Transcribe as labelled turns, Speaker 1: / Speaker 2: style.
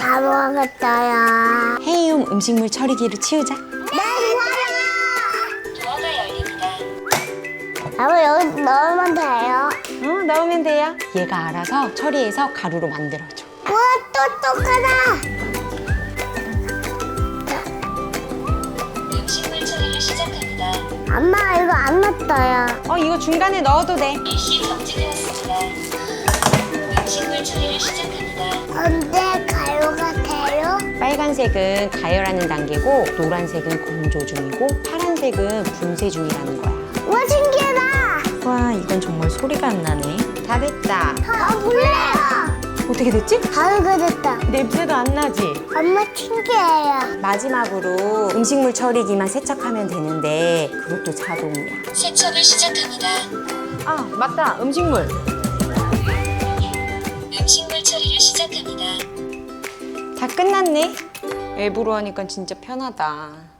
Speaker 1: 다 먹었어요.
Speaker 2: 헤이움 음식물 처리기로 치우자.
Speaker 1: 네, 좋아요.
Speaker 3: 도어가 열립니다.
Speaker 1: 아빠 여기 넣으면 돼요.
Speaker 2: 넣으면 돼요. 얘가 알아서 처리해서 가루로 만들어줘.
Speaker 1: 우와, 똑똑하다.
Speaker 3: 음식물 처리를 시작합니다.
Speaker 1: 엄마, 이거 안 넣었어요.
Speaker 2: 이거 중간에 넣어도 돼.
Speaker 3: 일시 정지되었습니다. 음식물 처리를 시작합니다.
Speaker 1: 근데 가요 같아요?
Speaker 2: 빨간색은 가열하는 단계고 노란색은 건조 중이고 파란색은 분쇄 중이라는 거야.
Speaker 1: 우와, 신기하다.
Speaker 2: 와, 이건 정말 소리가 안 나네. 다 됐다.
Speaker 1: 몰라요.
Speaker 2: 어떻게 됐지?
Speaker 1: 가요가 됐다.
Speaker 2: 냄새도 안 나지?
Speaker 1: 엄마 신기해요.
Speaker 2: 마지막으로 음식물 처리기만 세척하면 되는데 그것도 자동이야.
Speaker 3: 세척을 시작합니다.
Speaker 2: 아, 맞다. 음식물.
Speaker 3: 음식물 처리를 시작합니다.
Speaker 2: 다 끝났네. 앱으로 하니까 진짜 편하다.